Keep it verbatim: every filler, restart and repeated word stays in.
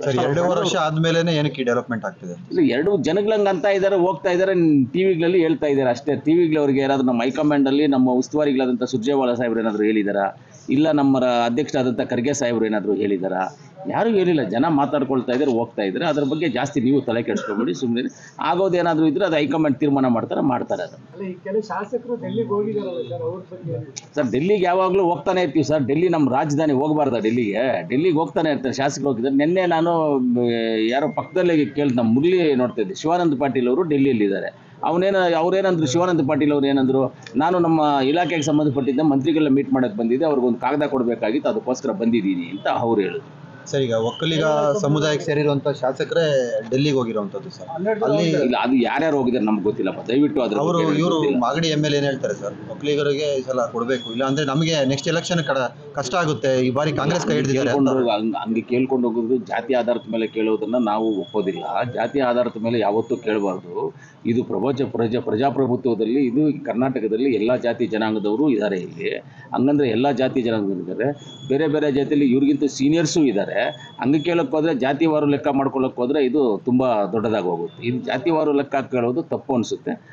Sir ಎರಡೂವರೆ ವರ್ಷ ಆದ್ಮೇಲೆನೆ ಏನಕ್ಕೆ ಡೆವಲಪ್ಮೆಂಟ್ ಆಗ್ತಿದೆ? ಇಲ್ಲ, ಎರಡು ಜನಗಳಂಗೆ ಅಂತ ಇದ್ದಾರೆ, ಹೋಗ್ತಾ ಇದ್ದಾರೆ, ಟಿವಿಗಳಲ್ಲಿ ಹೇಳ್ತಾ ಇದ್ದಾರೆ ಅಷ್ಟೇ. ಟಿವಿಗಳವ್ರಿಗೆ ಯಾರಾದ್ರೂ ನಮ್ಮ ಹೈಕಮಾಂಡಲ್ಲಿ ನಮ್ಮ ಉಸ್ತುವಾರಿಗಳಾದಂಥ ಸುರ್ಜೇವಾಲಾ ಸಾಹೇಬ್ರು ಏನಾದರೂ ಹೇಳಿದಾರಾ? ಇಲ್ಲ ನಮ್ಮ ಅಧ್ಯಕ್ಷರಾದಂಥ ಖರ್ಗೆ ಸಾಹೇಬ್ರು ಏನಾದರೂ ಹೇಳಿದಾರಾ? ಯಾರೂ ಹೇಳಿಲ್ಲ. ಜನ ಮಾತಾಡ್ಕೊಳ್ತಾ ಇದ್ದಾರೆ, ಹೋಗ್ತಾ ಇದ್ದಾರೆ. ಅದ್ರ ಬಗ್ಗೆ ಜಾಸ್ತಿ ನೀವು ತಲೆ ಕೆಡಿಸ್ಕೊಬೇಡಿ, ಸುಮ್ಮನೆ ಆಗೋದೇನಾದರೂ ಇದ್ರೆ ಅದು ಹೈಕಮಾಂಡ್ ತೀರ್ಮಾನ ಮಾಡ್ತಾರೆ ಮಾಡ್ತಾರೆ ಅದು. ಸರ್ ಡೆಲ್ಲಿಗೆ ಯಾವಾಗಲೂ ಹೋಗ್ತಾನೆ ಇರ್ತೀವಿ ಸರ್. ಡೆಲ್ಲಿ ನಮ್ಮ ರಾಜಧಾನಿ, ಹೋಗಬಾರ್ದ ಡೆಲ್ಲಿಗೆ? ಡೆಲ್ಲಿಗೆ ಹೋಗ್ತಾನೆ ಇರ್ತಾರೆ, ಶಾಸಕರು ಹೋಗಿದ್ದಾರೆ. ನಿನ್ನೆ ನಾನು ಯಾರೋ ಪಕ್ಕದಲ್ಲೇ ಕೇಳಿದ, ನಮ್ಮ ಮುರಳಿ ನೋಡ್ತಾ ಇದ್ದೆ, ಶಿವಾನಂದ ಪಾಟೀಲ್ ಅವರು ಡೆಲ್ಲಿಯಲ್ಲಿದ್ದಾರೆ. ಅವನೇನ ಅವ್ರೇನಂದ್ರು, ಶಿವಾನಂದ ಪಾಟೀಲ್ ಅವ್ರು ಏನಂದ್ರು, ನಾನು ನಮ್ಮ ಇಲಾಖೆಗೆ ಸಂಬಂಧಪಟ್ಟಿದ್ದ ಮಂತ್ರಿಗಳನ್ನ ಮೀಟ್ ಮಾಡೋಕ್ಕೆ ಬಂದಿದ್ದೆ, ಅವ್ರಿಗೊಂದು ಕಾಗದ ಕೊಡಬೇಕಾಗಿತ್ತು, ಅದಕ್ಕೋಸ್ಕರ ಬಂದಿದ್ದೀನಿ ಅಂತ ಅವ್ರು ಹೇಳಿದ್ರು. ಸರ್ ಈಗ ಒಕ್ಕಲಿಗ ಸಮುದಾಯಕ್ಕೆ ಸೇರಿರುವಂತ ಶಾಸಕರೇ ಡೆಲ್ಲಿಗೆ ಹೋಗಿರುವಂತದ್ದು ಸರ್. ಅಲ್ಲಿ ಇಲ್ಲ, ಅದು ಯಾರ್ಯಾರು ಹೋಗಿದ್ದಾರೆ ನಮ್ಗೆ ಗೊತ್ತಿಲ್ಲಪ್ಪ, ದಯವಿಟ್ಟು ಅದ್ರ ಅವರು ಬಗ್ಗೆ ಇವರು ಗೊತ್ತಿಲ್ಲ. ಮಾಗಡಿ ಎಮ್ ಎಲ್ ಏನ್ ಹೇಳ್ತಾರೆ ಸರ್, ಒಕ್ಕಲಿಗರಿಗೆ ಈ ಸಲ ಕೊಡಬೇಕು, ಇಲ್ಲ ಅಂದ್ರೆ ನಮಗೆ ನೆಕ್ಸ್ಟ್ ಎಲೆಕ್ಷನ್ ಕಷ್ಟ ಆಗುತ್ತೆ, ಈ ಬಾರಿ ಕಾಂಗ್ರೆಸ್ ಕೈ ಹಿಡಿದಿದ್ದಾರೆ ಅಂತ. ಕೇಳ್ಕೊಂಡು ಹಂಗ್- ಹಂಗೆ ಕೇಳ್ಕೊಂಡು ಹೋಗೋದು, ಜಾತಿ ಆಧಾರದ ಮೇಲೆ ಕೇಳೋದನ್ನ ನಾವು ಒಪ್ಪೋದಿಲ್ಲ. ಜಾತಿ ಆಧಾರದ ಮೇಲೆ ಯಾವತ್ತೂ ಕೇಳಬಾರ್ದು. ಇದು ಪ್ರಪಂಚ ಪ್ರಜಾ ಪ್ರಜಾಪ್ರಭುತ್ವದಲ್ಲಿ, ಇದು ಕರ್ನಾಟಕದಲ್ಲಿ ಎಲ್ಲ ಜಾತಿ ಜನಾಂಗದವರು ಇದ್ದಾರೆ ಇಲ್ಲಿ. ಹಂಗಂದ್ರೆ ಎಲ್ಲ ಜಾತಿ ಜನಾಂಗದವರು ಇದ್ದಾರೆ, ಬೇರೆ ಬೇರೆ ಜಾತಿಯಲ್ಲಿ ಇವ್ರಿಗಿಂತ ಸೀನಿಯರ್ಸು ಇದ್ದಾರೆ. ಹಂಗೆ ಕೇಳಕ್ಕೆ ಹೋದ್ರೆ, ಜಾತಿವಾರು ಲೆಕ್ಕ ಮಾಡ್ಕೊಳ್ಳೋಕೆ ಹೋದ್ರೆ ಇದು ತುಂಬ ದೊಡ್ಡದಾಗಿ ಹೋಗುತ್ತೆ. ಇದು ಜಾತಿವಾರು ಲೆಕ್ಕ ಕೇಳೋದು ತಪ್ಪು ಅನಿಸುತ್ತೆ.